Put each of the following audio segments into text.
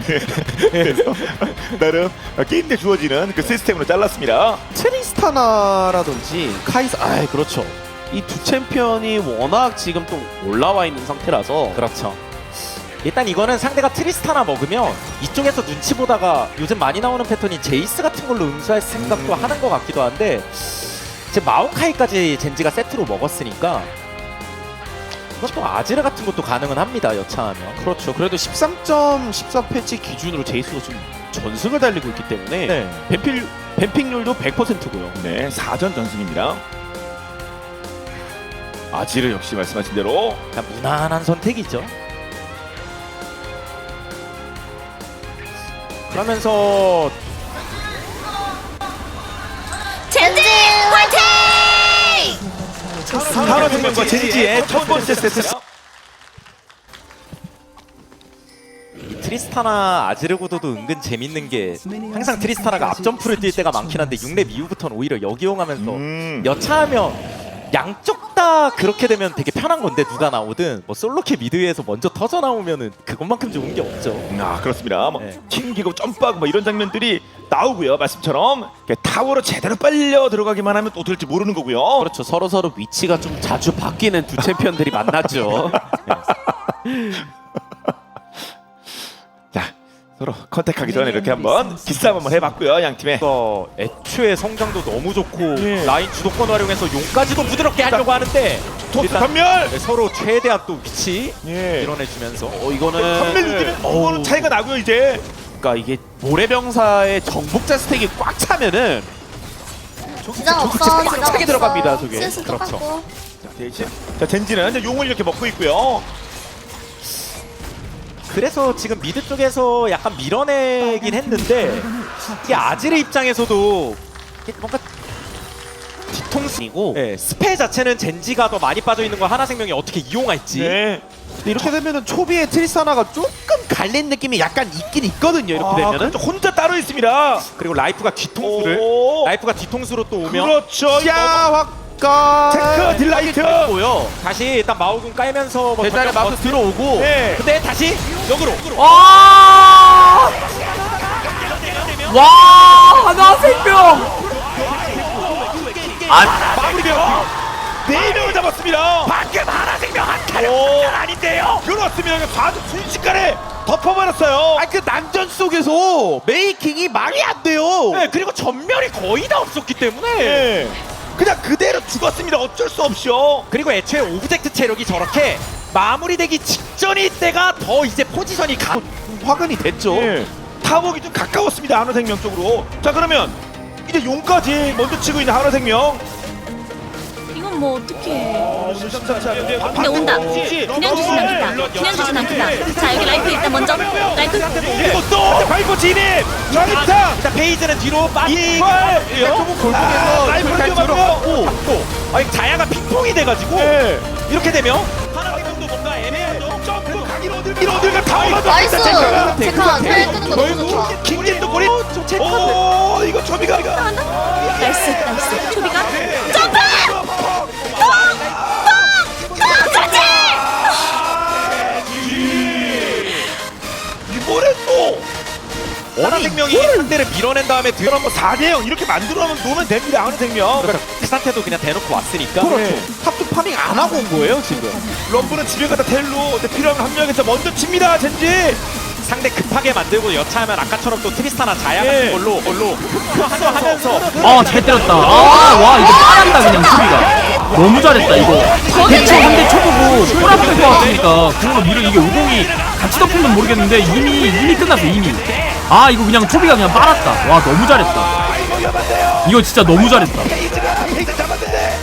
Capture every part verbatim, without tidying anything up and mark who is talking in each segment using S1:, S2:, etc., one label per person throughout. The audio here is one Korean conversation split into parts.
S1: 그래서 나름 게임 내 주어지는 그 시스템으로 잘랐습니다.
S2: 트리스타나라든지 카이사, 아 그렇죠. 이 두 챔피언이 워낙 지금 또 올라와 있는 상태라서
S3: 그렇죠. 일단 이거는 상대가 트리스타나 먹으면 이쪽에서 눈치 보다가 요즘 많이 나오는 패턴이 제이스 같은 걸로 응수할 생각도
S1: 음.
S3: 하는 것 같기도 한데 지금 마오카이까지 젠지가 세트로 먹었으니까 이것도 아지르 같은 것도 가능은 합니다. 여차하면.
S2: 그렇죠. 그래도 십삼 점 십사 패치 기준으로 제이스가 좀 전승을 달리고 있기 때문에
S3: 네.
S2: 뱀필, 뱀픽률도 백 퍼센트고요.
S1: 네, 사 전 전승입니다. 아지르 역시 말씀하신 대로
S3: 그냥 무난한 선택이죠. 그러면서
S4: 젠지 화이팅!
S1: 산업혁명과 젠지의 첫 번째 세트.
S3: 이 트리스타나 아지르 구도도 은근 재밌는 게 항상 트리스타나가 앞점프를 뛸 때가 많긴 한데 육 렙 이후부터는 오히려 역이용하면서
S1: 음.
S3: 여차하면 양쪽 다 그렇게 되면 되게 편한 건데 누가 나오든 뭐 솔로캐 미드에서 먼저 터져 나오면은 그것만큼 좋은 게 없죠.
S1: 아 그렇습니다. 뭐
S3: 네.
S1: 튕기고 점프하고 뭐 이런 장면들이 나오고요. 말씀처럼 타워로 제대로 빨려 들어가기만 하면 또 될지 모르는 거고요.
S2: 그렇죠. 서로 서로 위치가 좀 자주 바뀌는 두 챔피언들이 만났죠.
S1: 자 서로 컨택하기 전에 이렇게 한번 기싸움 한번 해봤고요. 양 팀의.
S3: 어, 애초에 성장도 너무 좋고
S1: 예.
S3: 라인 주도권 활용해서 용까지도 부드럽게 하려고 하는데
S1: 토스
S3: 일단
S1: 전멸.
S3: 네, 서로 최대한 또 위치
S1: 예.
S3: 밀어내주면서
S2: 어 이거는
S1: 전멸 느끼면 이거는
S2: 어우,
S1: 차이가 나고요 이제.
S2: 그러니까 이게 모래병사의 정복자 스택이 꽉 차면은
S4: 지장 없어,
S2: 꽉
S4: 지장
S2: 차게
S4: 없어.
S2: 들어갑니다, 저게.
S4: 스스
S3: 그렇죠.
S4: 똑같고.
S1: 자, 대신 자 젠지는 이제 용을 이렇게 먹고 있고요.
S3: 그래서 지금 미드 쪽에서 약간 밀어내긴 했는데 이게 아지르 입장에서도 이게 뭔가
S2: 뒤통수이고
S3: 네, 스페 자체는 젠지가 더 많이 빠져있는 걸 하나생명이 어떻게 이용할지
S1: 네.
S2: 근데 이렇게 되면은 초비의 트리스타나가 조금 갈린 느낌이 약간 있긴 있거든요. 이렇게
S1: 아,
S2: 되면은
S1: 그렇죠. 혼자 따로 있습니다.
S3: 그리고 라이프가 뒤통수를
S1: 오.
S3: 라이프가 뒤통수로 또 오면
S1: 그렇죠.
S2: 야확가
S1: 체크 딜라이트.
S2: 고요.
S3: 다시 일단 마오군 깔면서 뭐
S2: 대단에
S3: 전력
S2: 마우스 들어오고
S1: 네.
S3: 근데 다시 역으로
S5: 와! 와! 하나 생명! 아,
S1: 마무리되었고 네 명을 잡았습니다.
S3: 방금 하나 생명 한
S1: 오.
S3: 아닌데요.
S1: 그렇습니다. 과도 순식간에 덮어버렸어요.
S2: 아 그 난전 속에서 메이킹이 말이 안 돼요.
S3: 네, 그리고 전멸이 거의 다 없었기 때문에
S1: 네. 그냥 그대로 죽었습니다. 어쩔 수 없이요.
S3: 그리고 애초에 오브젝트 체력이 저렇게 마무리되기 직전일 때가 더 이제 포지션이 가
S2: 화근이 됐죠.
S1: 예. 타워기 좀 가까웠습니다. 한화생명 쪽으로. 자 그러면 이제 용까지 먼저 치고 있는 한화생명.
S4: 이건 뭐 어떡해.
S1: 근데
S4: 근데 온다. 그냥 주진 않겠다. 그냥 주진 않겠다. 자, 여기 라이프 일단 먼저. 라이프.
S1: 그리고 또 발포 진입. 전입타.
S3: 일단 페이지는 뒤로 빠지고
S1: 이걸
S2: 조금 골목에서
S1: 아, 라이프를
S2: 잘
S1: 뛰어갔고.
S2: 들어갔고
S3: 또 아니 자야가 핑퐁이 돼가지고
S1: 네.
S3: 이렇게 되면 하나생명도 뭔가 애매하죠.
S1: 점프 가기로 어딜 가기로 어딜 가 타워가
S4: 나이스.
S1: 체크가.
S4: 체크가 털 끄는 거 너무 좋다.
S1: 킹진도 꼬리.
S3: 체크.
S1: 오 이거 초비가.
S4: 나이스, 나이스. 초비가 점프!
S1: 이번에 또.
S3: 하나생명이 상대를 밀어낸 다음에 들어
S1: 그럼 뭐 사 대 영 이렇게 만들어놓으면 놓으면 됩니다. 한화생명.
S3: 그러니까 그 상태도 그냥 대놓고 왔으니까
S2: 그렇죠. 탑도 파밍 안 하고 온 거예요 지금.
S1: 럼브는 집에 가다 텔로 필요한 한 명에서 먼저 칩니다. 젠지.
S3: 상대 급하게 만들고 여차하면 아까처럼 또 트리스타나 자야
S1: 예.
S3: 같은 걸로 걸로 하면서
S5: 아, 잘 때렸다. 아, 와, 이거 빠른다, 그냥 수비가. 너무 잘했다, 이거. 대충 한 대 쳐보고 꼬라박을 것 같으니까 그걸로 밀어, 이게 오공이 같이 덮으면 모르겠는데 이미, 이미 끝났어, 이미. 아, 이거 그냥 초비가 그냥 빨았다. 와, 너무 잘했다. 이거 진짜 너무 잘했다.
S1: 페이지가 페이지 잡았는데.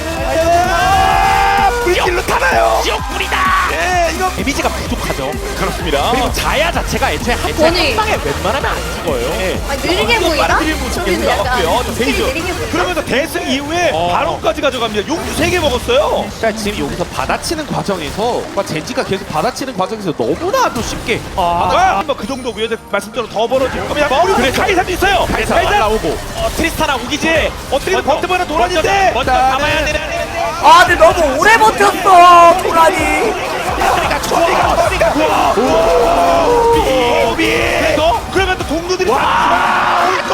S1: 아, 불길로 타나요.
S3: 지옥불이다.
S1: 예, 이거
S3: 데미지가 부족하죠.
S1: 그렇습니다.
S3: 그리고 자야 자체가 애초에 한, 애초에
S4: 아니.
S3: 한 방에 웬만하면 안 죽어요.
S1: 예.
S4: 아, 느리게 보이나?
S1: 빠르게 보이는
S4: 초비는
S1: 계속
S4: 약간
S1: 나왔고요. 저
S4: 스킬이
S1: 페이지.
S4: 느리게 보이나?
S1: 그러면서 대승 이후에
S3: 어.
S1: 바론까지 가져갑니다. 용주 세 개 먹었어요.
S2: 그러니까 지금 여기서 받아치는 과정에서 그러니까 젠지가 계속 받아치는 과정에서 너무나도 쉽게
S1: 아, 한번 그 정도고요. 이제 말씀대로 더 벌어질 거면 머리 그래 카이사도 있어요.
S3: 그래서
S1: 카이사
S3: 날라오고 어, 트리스타나 오기지
S1: 어떻게든 버텨보는 도란인데.
S3: 먼저 잡아야 되는데
S5: 아, 근데 너무 오래 버텼어, 도란이.
S1: 소리가 소리가 소리가 비 그래서 그러면 또 동료들이 와 것도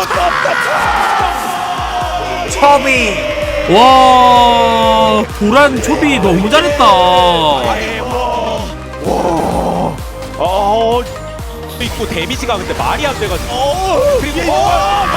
S1: 없다.
S5: 초비. 와 도란 초비 너무 잘했다.
S3: 어 있고 데미지가 근데 말이 안 돼가지고
S1: 어 그리고
S4: 와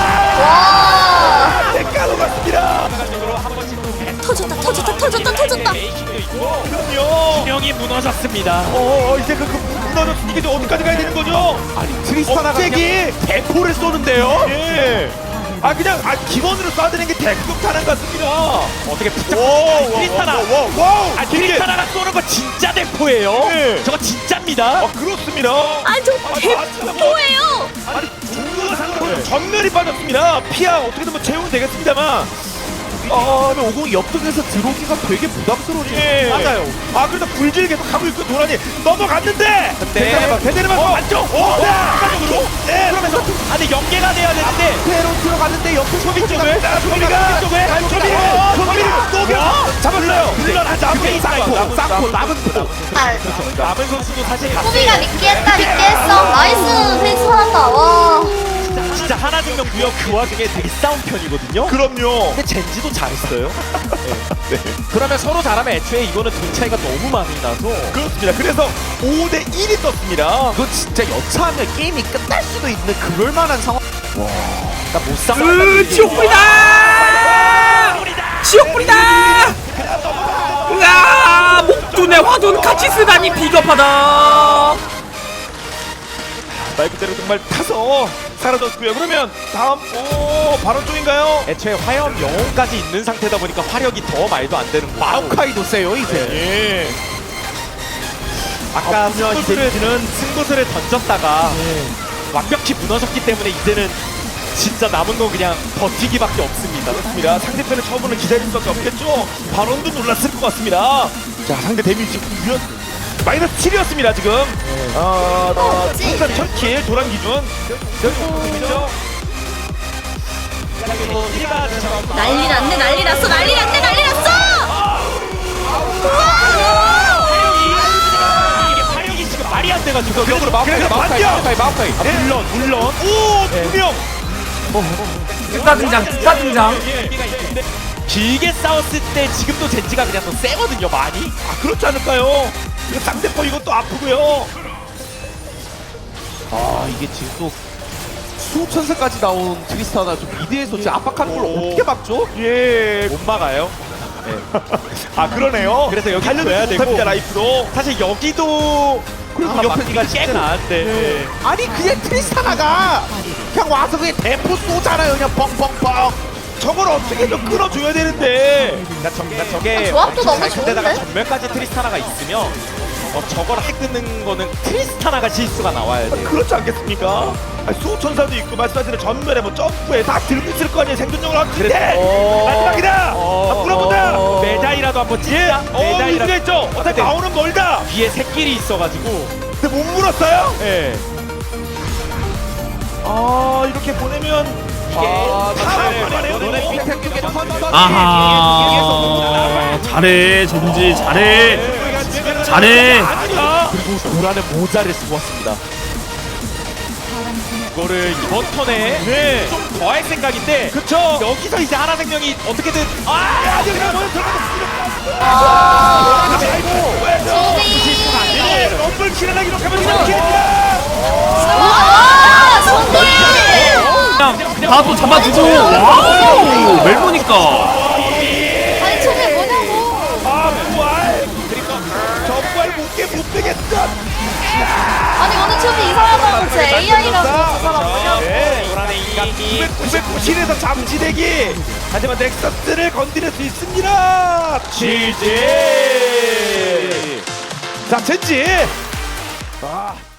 S1: 대가로 갔습니다.
S3: 한 번씩 또
S4: 터졌다 터졌다 터졌다 터졌다.
S3: 메이킹도 있고
S1: 그럼요.
S3: 균형이 무너졌습니다.
S1: 어 이제 그, 그 무너졌 이게 이제 어디까지 가야 되는 거죠?
S2: 아니 트리스타나가
S1: 갑자기 대포를 쏘는데요? 예. 아 그냥 아 기본으로 쏴드는 게 대극 타는 것 같습니다.
S3: 어떻게 붙잡고
S1: 오,
S3: 트리스타나
S1: 와우.
S3: 아 트리스타나가 쏘는 거 진짜 대포예요.
S1: 네.
S3: 저거 진짜입니다.
S1: 아 그렇습니다.
S4: 아저 대포예요.
S1: 아니 종류가 상관없이 전멸이 빠졌습니다. 피하 어떻게든 뭐 채우면 되겠습니다만.
S2: 아 근데 오공이 옆쪽에서 들어오기가 되게 부담스러워요.
S1: 예.
S2: 맞아요.
S1: 아 그래서 불질 계속 가고 있고 도란이 넘어갔는데.
S3: 근데
S1: 대대르만 어, 안쪽. 오, 네. 안쪽으로. 네. 그러면서
S3: 아니 연계가 돼야 되는데
S2: 페로 들어갔는데 옆에
S1: 소비 쪽을 소비가
S3: 쪽에
S1: 소비를 소비를 녹여 잡았어요. 물러나자.
S3: 그게
S2: 쌍코 쌍코 남은 코.
S3: 남은 선수도 사실
S6: 소비가 믿기했다 믿기했어. 나이스 페이스 살았다. 와.
S3: 진짜, 진짜 하나생명 구역 그 와중에 되게 싸운 편이거든요.
S1: 그럼요.
S3: 근데 젠지도 잘했어요. 네. 그러면 서로 잘하면 애초에 이거는 돈 차이가 너무 많이 나서
S1: 그렇습니다. 그래서 오 대 일이 떴습니다.
S2: 그거 진짜 여차하면 게임이 끝날 수도 있는 그럴 만한 상황.
S3: 나못 싸워.
S5: 으 지옥불이다. 지옥불이다. 으아 목둔의 화둔 같이 쓰다니 비겁하다.
S1: 말 그대로 정말 타서 사라졌고요. 그러면 다음 오 바로 쪽인가요?
S3: 애초에 화염 영혼까지 있는 상태다 보니까 화력이 더 말도 안 되는 거고.
S2: 마오카이도 세요 이제.
S1: 예.
S3: 아까
S1: 분명
S3: 승부수를 승부수를 던졌다가 완벽히 무너졌기 때문에 이제는 진짜 남은 건 그냥 버티기밖에 없습니다.
S1: 그렇습니다. 상대편의 처분을 기다릴 수밖에 없겠죠. 발언도 놀랐을 것 같습니다. 자 상대 데미지 유연 마이너스 칠이었습니다 지금. 어, 어,
S6: 그치?
S1: 통산 첫 킬 도란 기준. 그렇죠.
S4: 난리 났네 난리 났어 난리 났네 난리 났어.
S3: 이게 화력이 지금 말이 안 돼가지고
S2: 벽으로 마오카이
S1: 그래서
S2: 마오카이
S1: 반격!
S2: 마오카이 마오카이.
S3: 아, 물론 물론
S1: 오두 명.
S5: 특사 등장 특사 등장.
S3: 길게 싸웠을 때 지금도 젠지가 그냥 더 세거든요 많이.
S1: 아 그렇지 않을까요? 이거 상대편 이것도 아프고요.
S2: 아 이게 지금 또 수천세까지 나온 트리스타나 좀 미드에서 진짜 압박하는 걸
S1: 오.
S2: 어떻게 막죠?
S1: 예.
S3: 못 막아요.
S1: 아 그러네요.
S3: 그래서 여기
S1: 달려도
S3: 줘야 되고.
S1: 못합니다 라이프도.
S3: 사실 여기도
S2: 그리고
S3: 아마
S2: 옆에
S3: 막기가
S2: 이게
S3: 쉽진
S2: 쟤는-
S3: 않은데. 네.
S2: 아니 그냥 트리스타나가 그냥 와서 그냥 대포 쏘잖아요 그냥 뻥뻥뻥.
S1: 저걸 어떻게 좀 끌어줘야 되는데.
S3: 그러니까 저, 그러니까 저게
S6: 아, 조합도 너무
S3: 데다가
S6: 좋은데?
S3: 전멸까지 트리스타나가 있으면 어, 저걸 핵 끊는 거는 트리스타나가 실수가 나와야 돼요.
S1: 그렇지 않겠습니까? 아니, 수호천사도 있고 말씀하시는 전멸에 뭐 점프에 다 들고 있을 거 아니에요 생존력을 하는데
S3: 어,
S1: 마지막이다!
S3: 어,
S1: 아, 물어본다!
S3: 어, 메다이라도 한번 찍자.
S1: 어 의지가 있죠? 어차피 마오는 멀다!
S3: 뒤에 새끼리 있어가지고.
S1: 근데 못 물었어요?
S3: 예.
S1: 아 이렇게 보내면
S3: 이게
S1: 아,
S3: 사람을
S1: 잘해요.
S3: 너네 밑에
S2: 쪽에 턴
S5: 아하 잘해 젠지 잘해 잘해.
S1: 아니야!
S3: 그리고 도라는 모자를 쓰고 왔습니다. 이거를 이번 턴에
S1: 네.
S3: 좀 더 할 생각인데
S1: 그쵸?
S3: 여기서 이제 하나생명이 어떻게든 아!
S1: 아니 그냥 먼저 들어가서
S6: 아.
S1: 아이고
S6: 소비.
S1: 럼블 킬하기 이렇게 하면 이렇게
S6: 와 소비.
S5: 그냥 다 또 잡아주고 와우 멜보니까.
S6: 아니 저게 뭐냐고.
S1: 아 부활! 그러니까 저 부활 못게 못 되겠어!
S6: 아니 오늘 저기 이상하다고 제 에이아이라고 저 사람.
S1: 네.
S3: 도란의 인간이
S1: 구백구십칠에서 잠시대기 하지만 넥서스를 건드릴 수 있습니다. 지지. 자 젠지. 아.